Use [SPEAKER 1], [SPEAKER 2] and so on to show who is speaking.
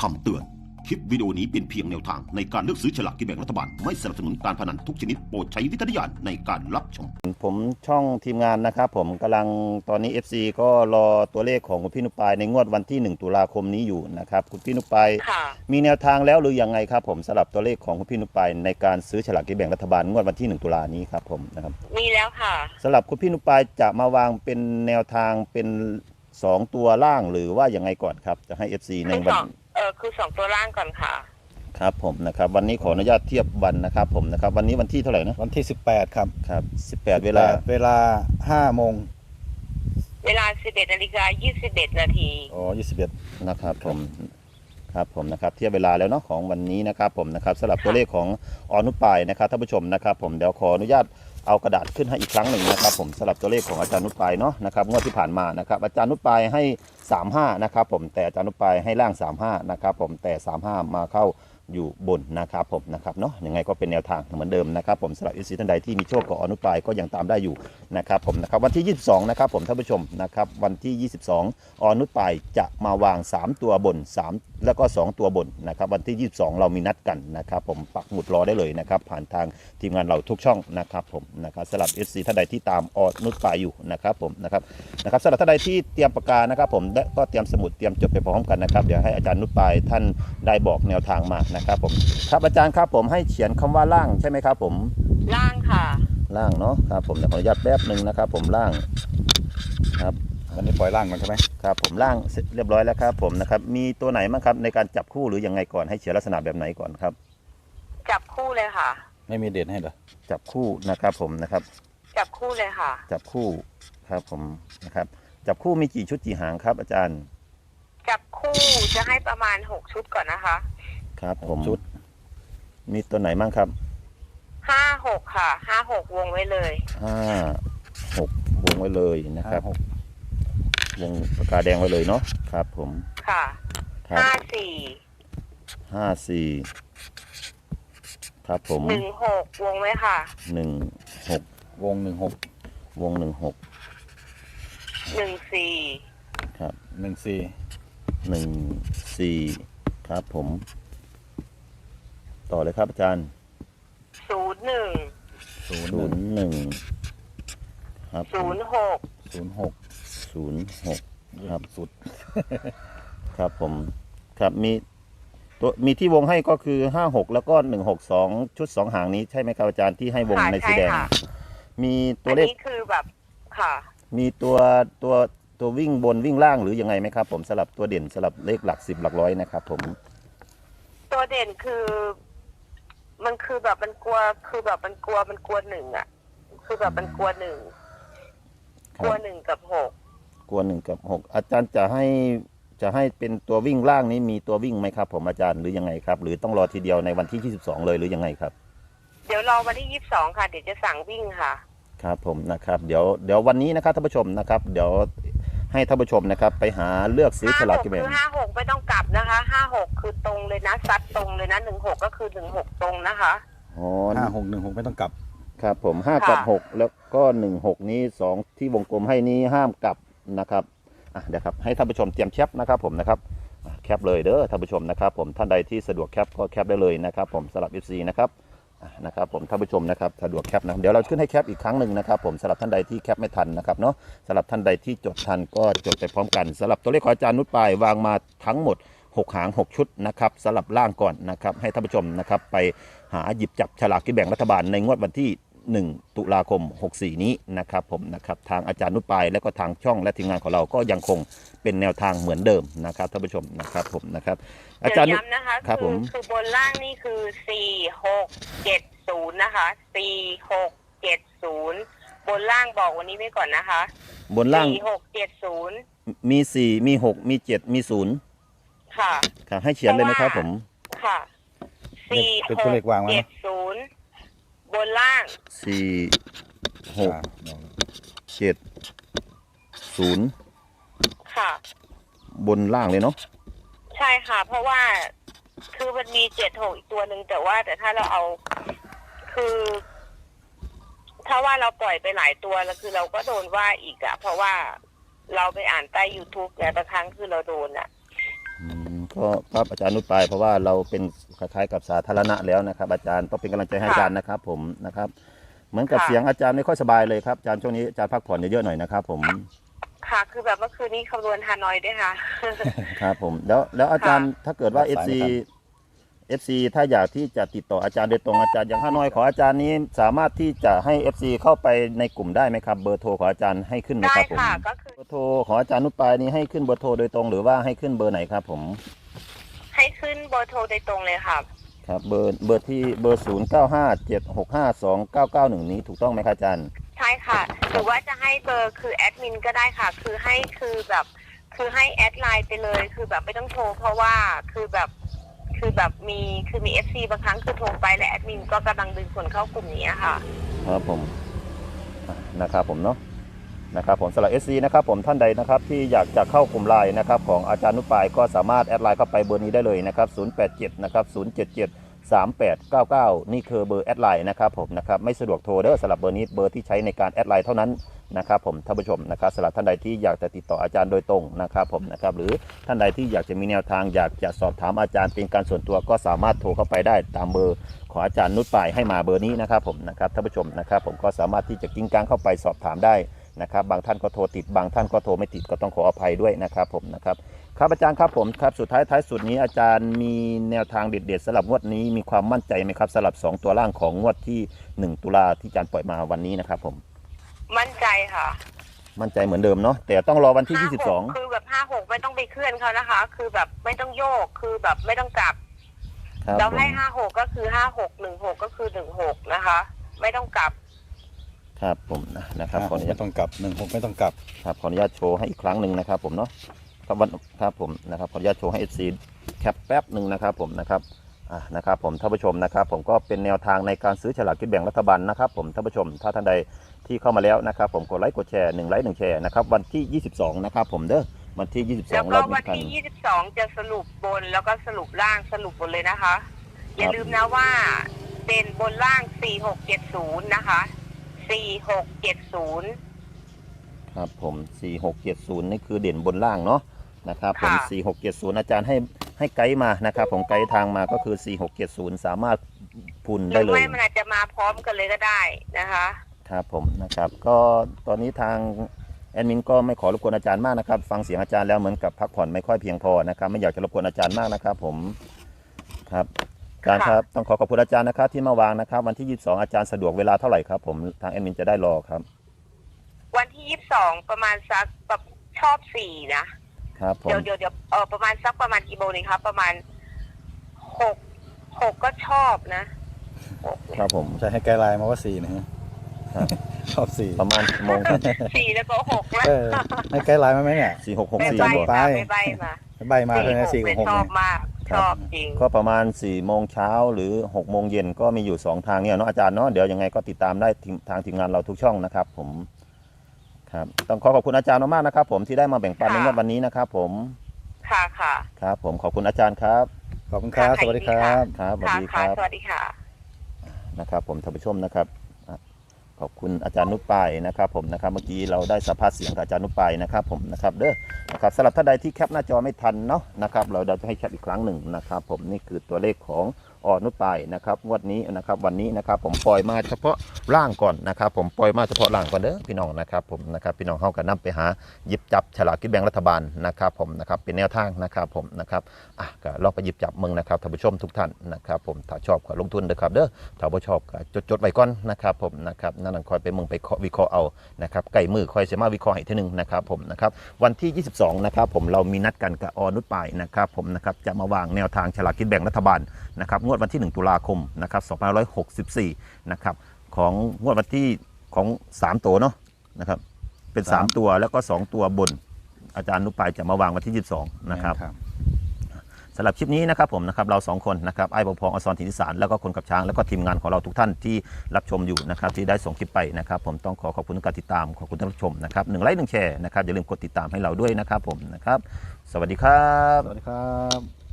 [SPEAKER 1] คำเตือน คลิปวิดีโอนี้เป็นเพียงแนวทางในการเลือกซื้อฉลากกินแบ่งรัฐบาลไม่สนับสนุนการพนันทุกชนิดโปรดใช้วิจารณญาณในการรับชมผมช่องทีมงานนะครับผมกำลังตอนนี้ FC ก็รอตัวเลขของคุณพี่นุปายในงวดวันที่1ตุลาคมนี้อยู่นะครับคุณพี่นุปายมีแนวทางแล้วหรือยังไงครับผมสำหรับตัวเลขของคุณพี่นุปายในการซื้อฉลากกินแบ่งรัฐบาลงวดวันที่1ตุลานี้ครับผมนะครับ
[SPEAKER 2] มีแล้วค่ะ
[SPEAKER 1] สำหรับคุณพี่นุปายจะมาวางเป็นแนวทางเป็น2ตัวล่างหรือว่ายังไงก่อนครับจะให้ FC ในวัน
[SPEAKER 2] คือ2ตัวล่างก่อนค่ะ
[SPEAKER 1] ครับผมนะครับวันนี้ขออนุญาตเทียบวันนะครับผมนะครับวันนี้วันที่เท่าไหร่นะ
[SPEAKER 3] วันที่18ครับ
[SPEAKER 1] ครับ18เวลา
[SPEAKER 3] 5 โมง
[SPEAKER 2] เวลา 11:21 นาที
[SPEAKER 3] อ๋อ21
[SPEAKER 1] นะครับผมครับผมนะครับเทียบเวลาแล้วเนาะของวันนี้นะครับผมนะครับสำหรับตัวเลขของอนุปายนะครับท่านผู้ชมนะครับผมเดี๋ยวขออนุญาตเอากระดาษขึ้นให้อีกครั้งหนึ่งนะครับผมสำหรับตัวเลขของอาจารย์นุปายเนาะนะครับงวดที่ผ่านมานะครับอาจารย์นุปายให้35นะครับผมแต่อาจารย์นุปายให้ล่าง35นะครับผมแต่35มาเข้าอยู่บนนะครับผมนะครับเนาะยังไงก็เป็นแนวทางเหมือนเดิมนะครับผมสำหรับท่านใดที่มีโชคกับอนุปายก็ยังตามได้อยู่นะครับผมนะครับวันที่22นะครับผมท่านผู้ชมนะครับวันที่22อนุปายจะมาวาง3ตัวบน3แล้วก็2ตัวบนนะครับวันที่22เรามีนัดกันนะครับผมปักหมุดรอได้เลยนะครับผ่านทางทีมงานเราทุกช่องนะครับผมนะครับสำหรับ FC ท่านใดที่ตามอนุปายอยู่นะครับผมนะครับสำหรับท่านใดที่เตรียมปากกานะครับผมและก็เตรียมสมุดเตรียมจดไปพร้อมกันนะครับเดี๋ยวให้อาจารย์นุปายท่านได้บอกแนวทางมานะครับผมครับอาจารย์ครับผมให้เขียนคำว่าล่างใช่ไหมครับผม
[SPEAKER 2] ล่างค่ะ
[SPEAKER 1] ล่างเนาะครับผมขออนุญาตแป๊บนึงนะครับผมล่างครับ
[SPEAKER 3] วันนี้ปล่อยล่างมันใช่ไหม
[SPEAKER 1] ครับผมล่างเสร็จเรียบร้อยแล้วครับผมนะครับมีตัวไหนบ้างครับในการจับคู่หรือยังไงก่อนให้เขียนลักษณะแบบไหนก่อนครับ
[SPEAKER 2] จับคู่เลยค่ะ
[SPEAKER 3] ไม่มีเด่นให้เหรอ
[SPEAKER 1] จับคู่นะครับผมนะครับ
[SPEAKER 2] จับคู่เลยค่ะ
[SPEAKER 1] จับคู่ครับผมนะครับจับคู่มีกี่ชุดกี่หางครับอาจารย์
[SPEAKER 2] จับคู่จะให้ประมาณ6ชุดก่อนนะคะ
[SPEAKER 1] ครับผมชุดมีตัวไหนบ้างครับ
[SPEAKER 2] 5-6ค่ะ5-6วงไว้เลย
[SPEAKER 1] 5-6วงไว้เลยนะครับวงปากกาแดงไว้เลยเนาะครับผม
[SPEAKER 2] ค่ะ
[SPEAKER 1] 54ครับผม
[SPEAKER 2] 16วงไว้ค่ะ
[SPEAKER 1] 16
[SPEAKER 3] วง16
[SPEAKER 1] วง
[SPEAKER 2] 14
[SPEAKER 1] ครับ14ครับผมต่อเลยครับอาจารย์01ครับ06ครับสุดครับผมครับมีที่วงให้ก็คือ56แล้วก็162ชุด2หางนี้ใช่ไหมครับอาจารย์ที่ให้วงในสีแดงมีตัวเลข
[SPEAKER 2] อันนี้คือแบบค่ะ
[SPEAKER 1] มีตัววิ่งบนวิ่งล่างหรือยังไงไหมครับผมสลับตัวเด่นสลับเลขหลัก10หลักร้อยนะครับผม
[SPEAKER 2] ตัวเด่นคือมันคือแบบมันกลัวคือแบบมันกลัว1อ่ะคือแบบมันกลัว1กับ6
[SPEAKER 1] กลัว1กับ6อาจารย์จะให้เป็นตัววิ่งล่างนี้มีตัววิ่งไหมครับผมอาจารย์หรือยังไงครับหรือต้องรอทีเดียวในวันที่22เลยหรือยังไงครับ
[SPEAKER 2] เดี๋ยวรอวันที่22ค่ะเดี๋ยวจะสั่งวิ่งค่ะ
[SPEAKER 1] ครับผมนะครับเดี๋ยววันนี้นะครับท่านผู้ชมนะครับเดี๋ยวให้ท่านผู้ชมนะครับไปหาเลือกซื้อฉลากกินแบ่ง
[SPEAKER 2] คือ56ไม่ต้องกลับนะคะ56คือตรงเลยนะซัดตรงเลยนะ16ก็คือ16ตรงนะคะ
[SPEAKER 3] อ๋อ5616ไม่ต้องกลับ
[SPEAKER 1] ครับผม5กับ6แล้วก็16นี้2ที่วงกลมให้นี้ห้ามกลับนะครับเดี๋ยวครับให้ท่านผู้ชมเตรียมแคปนะครับผมนะครับแคปเลยเด้อท่านผู้ชมนะครับผมท่านใดที่สะดวกแคปก็แคปได้เลยนะครับผมสำหรับ FC นะครับผมท่านผู้ชมนะครับสะดวกแคปนะเดี๋ยวเราขึ้นให้แคปอีกครั้งหนึ่งนะครับผมสำหรับท่านใดที่แคปไม่ทันนะครับเนาะสำหรับท่านใดที่จดทันก็จดไปพร้อมกันสำหรับตัวเลขของอาจารย์นุชปายวางมาทั้งหมด6หาง6ชุดนะครับสำหรับล่างก่อนนะครับให้ท่านผู้ชมนะครับไปหาหยิบจับฉลากกินแบ่งรัฐบาลในงวดวันที่1ตุลาคม64นี้นะครับผมนะครับทางอาจารย์นุชปายและก็ทางช่องและทีมงานของเราก็ยังคงเป็นแนวทางเหมือนเดิมนะครับท่านผู้ชมนะครับผมนะครับ
[SPEAKER 2] อาจารย์ย้ำนะคะคือบนล่างนี่คือ4670นะคะ4670บนล่างบอกวันนี้ไว้ก่อนนะคะ
[SPEAKER 1] บนล่าง
[SPEAKER 2] 4670
[SPEAKER 1] มี4มี6มี7มี0
[SPEAKER 2] ค่ะ
[SPEAKER 1] ค่ะให้เขียนเลยไหมครับผม
[SPEAKER 2] ค่ะ4670บนล่าง
[SPEAKER 1] 4670
[SPEAKER 2] ค่ะ
[SPEAKER 1] บนล่างเลยเนาะ
[SPEAKER 2] ใช่ค่ะเพราะว่าคือมันมี76อีกตัวหนึ่งแต่ถ้าเราเอาคือถ้าว่าเราปล่อยไปหลายตัวแล้วคือเราก็โดนว่าอีกอะเพราะว่าเราไปอ่านใต้ YouTube แต่บางครั้งคือเราโดนอะ
[SPEAKER 1] ก็ครับอาจารย์นุชปายเพราะว่าเราเป็นคล้ายๆกับสาธารณะแล้วนะครับ อาจารย์ต้องเป็นกำลังใจให้อาจารย์นะครับผมนะครับ เหมือนกับเสียงอาจารย์ไม่ค่อยสบายเลยครับอาจารย์ช่วงนี้อาจารย์พักผ่อนเยอะๆหน่อยนะครับผม
[SPEAKER 2] ค่ะ คือแบบเมื่อคืนนี้คำนวณฮานอยด้วยค่ะ
[SPEAKER 1] ครับผมแล้วอาจารย์ถ้าเกิดว่า FC ถ้าอยากที่จะติดต่ออาจารย์โดยตรงอาจารย์อย่างห้าน้อยของอาจารย์นี้สามารถที่จะให้ FC เข้าไปในกลุ่มได้ไหมครับเบอร์โทรของอาจารย์ให้ขึ้นไหม
[SPEAKER 2] ได้
[SPEAKER 1] ครับผม
[SPEAKER 2] ค่ะก็คือ
[SPEAKER 1] เบอร์โทรของอาจารย์นุชปายนี้ให้ขึ้นเบอร์โทรโดยตรงหรือว่าให้ขึ้นเบอร์ไหนครับผม
[SPEAKER 2] ให้ขึ้นเบอร์โทรโดยตรงเลยค่ะ
[SPEAKER 1] ครับเบอร์ที่เบอร์0957652991นี้ถูกต้องไหมครับอาจารย์
[SPEAKER 2] ใช่ค่ะ หรือว่าจะให้เบอร์คือแอดมินก็ได้ค่ะ คือให้ให้แอดไลน์ไปเลยคือแบบไม่ต้องโทรเพราะว่าคือแบบมีเอฟซีบางครั้งคือโทรไปและแอดมินก็กำลังดึงคนเข้ากลุ่มนี้ค่ะ
[SPEAKER 1] ครับผมนะครับผมเนาะนะครับผมสำหรับ SC นะครับผมท่านใดนะครับที่อยากจะเข้ากลุ่มไลน์นะครับของอาจารย์นุชปายก็สามารถแอดไลน์เข้าไปเบอร์นี้ได้เลยนะครับ087นะครับ0773899นี่คือเบอร์แอดไลน์นะครับผมนะครับไม่สะดวกโทรเด้อสำหรับเบอร์นี้เบอร์ที่ใช้ในการแอดไลน์เท่านั้นนะครับผมท่านผู้ชมนะครับสำหรับท่านใดที่อยากจะติดต่ออาจารย์โดยตรงนะครับผมนะครับหรือท่านใดที่อยากจะมีแนวทางอยากจะสอบถามอาจารย์เป็นการส่วนตัวก็สามารถโทรเข้าไปได้ตามเบอร์ของอาจารย์นุชปายให้มาเบอร์นี้นะครับผมนะครับท่านผู้ชมนะครับผมก็สามารถที่จะกิ้งก้างเข้าไปสอบถามได้นะครับบางท่านก็โทรติดบางท่านก็โทรไม่ติดก็ต้องขออภัยด้วยนะครับผมนะครับครับอาจารย์ครับผมครับสุดท้ายสุดนี้อาจารย์มีแนวทางเด็ดๆสำหรับงวดนี้มีความมั่นใจไหมครับสำหรับ2ตัวล่างของงวดที่1ตุลาที่อาจารย์ปล่อยมาวันนี้นะครับผม
[SPEAKER 2] มั่นใจค่ะ
[SPEAKER 1] มั่นใจเหมือนเดิมเนาะแต่ต้องรอวันที่
[SPEAKER 2] 56คือแบบ56ไม่ต้องไปเคลื่อนเขานะคะ คือแบบไม่ต้องโยกคือแบบไม่ต้องกลับ
[SPEAKER 1] 22ครับ
[SPEAKER 2] เรา
[SPEAKER 1] ผม
[SPEAKER 2] ให้56ก็คือ56 16ก็คือ16นะคะ ไม่ต้องกลับ
[SPEAKER 1] ครับผมนะครับขออนุญา
[SPEAKER 3] ไม่
[SPEAKER 1] ต
[SPEAKER 3] ต้องกลับ16ไม่ต้องกลับ
[SPEAKER 1] ครับขออนุญาตโชว์ให้อีกครั้งหนึ่งนะครับผมเนาะครับวันครับผมนะครับขออนุญาตโชว์ให้ FC แคปแป๊บหนึ่งนะครับผมนะครับนะครับผมท่านผู้ชมนะครับผมก็เป็นแนวทางในการซื้อฉลากกินแบ่งรัฐบาลนะครับผมท่านผู้ชมถ้าท่านใดที่เข้ามาแล้วนะครับผมกดไลค์กดแชร์1ไลค์1แชร์นะครับวันที่22นะครับผมเด้อวันที่22
[SPEAKER 2] แล้วก็
[SPEAKER 1] เรา
[SPEAKER 2] วัน
[SPEAKER 1] กัน
[SPEAKER 2] ที่22จะสรุปบนแล้วก็สรุปล่างสรุปบนเลยนะคะ อย่าลืมนะว่าเป็นบนล่าง4670นะคะ4670
[SPEAKER 1] ครับผม4670นี่คือเด่นบนล่างเนาะนะครับผม
[SPEAKER 2] ค่ะ
[SPEAKER 1] 4670อาจารย์ให้ไกด์มานะครับผมไกด์ทางมาก็คือ4670สามารถพุน
[SPEAKER 2] ห
[SPEAKER 1] ได้
[SPEAKER 2] รือ
[SPEAKER 1] เลย
[SPEAKER 2] ไม่มันอาจจะมาพร้อมกันเลยก็ได้นะคะ
[SPEAKER 1] ครับผมนะครับก็ตอนนี้ทางแอดมินก็ไม่ขอรบกวนอาจารย์มากนะครับฟังเสียงอาจารย์แล้วเหมือนกับพักผ่อนไม่ค่อยเพียงพอนะครับไม่อยากจะรบกวนอาจารย์มากนะครับผมครับอาจารย์ครับต้องขอขอบคุณอาจารย์นะครับที่มาวางนะครับวันที่22อาจารย์สะดวกเวลาเท่าไหร่ครับผมทางแอดมินจะได้รอครับ
[SPEAKER 2] วันที่22ประมาณสักแบบชอบ4นะครับ
[SPEAKER 1] ผม
[SPEAKER 2] เดี๋ยวประมาณสักประมาณกี่โมงนี่ครับประมาณ6ก็ชอบนะ6
[SPEAKER 1] ครับผม
[SPEAKER 3] ใช่ให้ไกด์ไลน์มาว่า4นะฮะ
[SPEAKER 1] ครับ
[SPEAKER 3] ชอบ4
[SPEAKER 1] ประมาณกี่โมงครับ
[SPEAKER 2] 4แล้วก็6แล้ว
[SPEAKER 3] ให้ไกด์ไลน์มาไหมเนี่ย
[SPEAKER 2] ไม่
[SPEAKER 1] 4664
[SPEAKER 2] ใบ
[SPEAKER 1] บ่
[SPEAKER 2] มาไม่ใบมา
[SPEAKER 3] ใบมาเลยนะ4
[SPEAKER 2] ไม่
[SPEAKER 3] กับ6
[SPEAKER 2] ชอบ
[SPEAKER 3] เนี่ย
[SPEAKER 2] มากชอบจริง
[SPEAKER 1] ก็ประมาณ4โมงเช้าหรือ6โมงเย็นก็มีอยู่2ทางเนี่ยเนาะอาจารย์เนาะเดี๋ยวยังไงก็ติดตามได้ทางทีมงานเราทุกช่องนะครับผมครับต้องขอบคุณอาจารย์มากๆนะครับผมที่ได้มาแบ่งปันในงวดวันนี้นะครับผม
[SPEAKER 2] ค่ะค่ะ
[SPEAKER 1] ครับผมขอบคุณอาจารย์ครับ
[SPEAKER 3] ขอบคุณครับ
[SPEAKER 2] ค่ะ
[SPEAKER 3] สวัสดีครับ
[SPEAKER 1] ครับสวัส
[SPEAKER 2] ค่ะ
[SPEAKER 1] ดีค
[SPEAKER 2] ค่ะ
[SPEAKER 1] รับ
[SPEAKER 2] สวัสดีค่ะ
[SPEAKER 1] นะครับผมท่านผู้ชมนะครับขอบคุณอาจารย์นุชปายนะครับผมนะครับเมื่อกี้เราได้สัมภาษณ์เสียงกับอาจารย์นุชปายนะครับผมนะครับเด้อนะครับสำหรับท่านใดที่แคปหน้าจอไม่ทันเนาะนะครับเราจะให้แคปอีกครั้งหนึ่งนะครับผมนี่คือตัวเลขของนุชปายนะครับงวดนี้นะครับวันนี้นะครับผมปล่อยมาเฉพาะล่างก่อนนะครับผมปล่อยมาเฉพาะล่างก่อนเด้อพี่น้องนะครับผมนะครับพี่น้องเข้ากันนํไปหาหยิบจับฉลากกินแบ่งรัฐบาลนะครับผมนะครับเป็นแนวทางนะครับผมนะครับก็ลองไปหยิบจับมึงนะครับท่านผู้ชมทุกท่านนะครับผมถ้าชอบก็ลงทุนเด้อครับเด้อถ้าบ่ชอบก็จดไว้ก่อนนะครับผมนะครับนั่นคอยไปมึงไปวิเคราะห์เอานะครับไก่มือคอยเสมาวิเคราะห์ให้ทีนึงนะครับผมนะครับวันที่22นะครับผมเรามีนัดกันกับนุชปายนะครับผมนะครับจะมาวางแนวทางฉลากกินแบ่งรัฐบาลนะครับงวดวันที่1ตุลาคมนะครับ2564นะครับของงวดวันที่ของ3ตัวเนาะนะครับเป็น3ตัวแล้วก็2ตัวบนอาจารย์นุชปายจะมาวางวันที่22นะครับสำหรับคลิปนี้นะครับผมนะครับเรา2คนนะครับไอ้ปพองอสรถิ่นอีสานแล้วก็คนกับช้างแล้วก็ทีมงานของเราทุกท่านที่รับชมอยู่นะครับที่ได้ส่งคลิปไปนะครับผมต้องขอบคุณทุกการติดตามขอบคุณท่านผู้ชมนะครับ1ไลค์1แชร์นะครับอย่าลืมกดติดตามให้เราด้วยนะครับผมนะครับสวัสดีครับ
[SPEAKER 3] สวัสดีครับ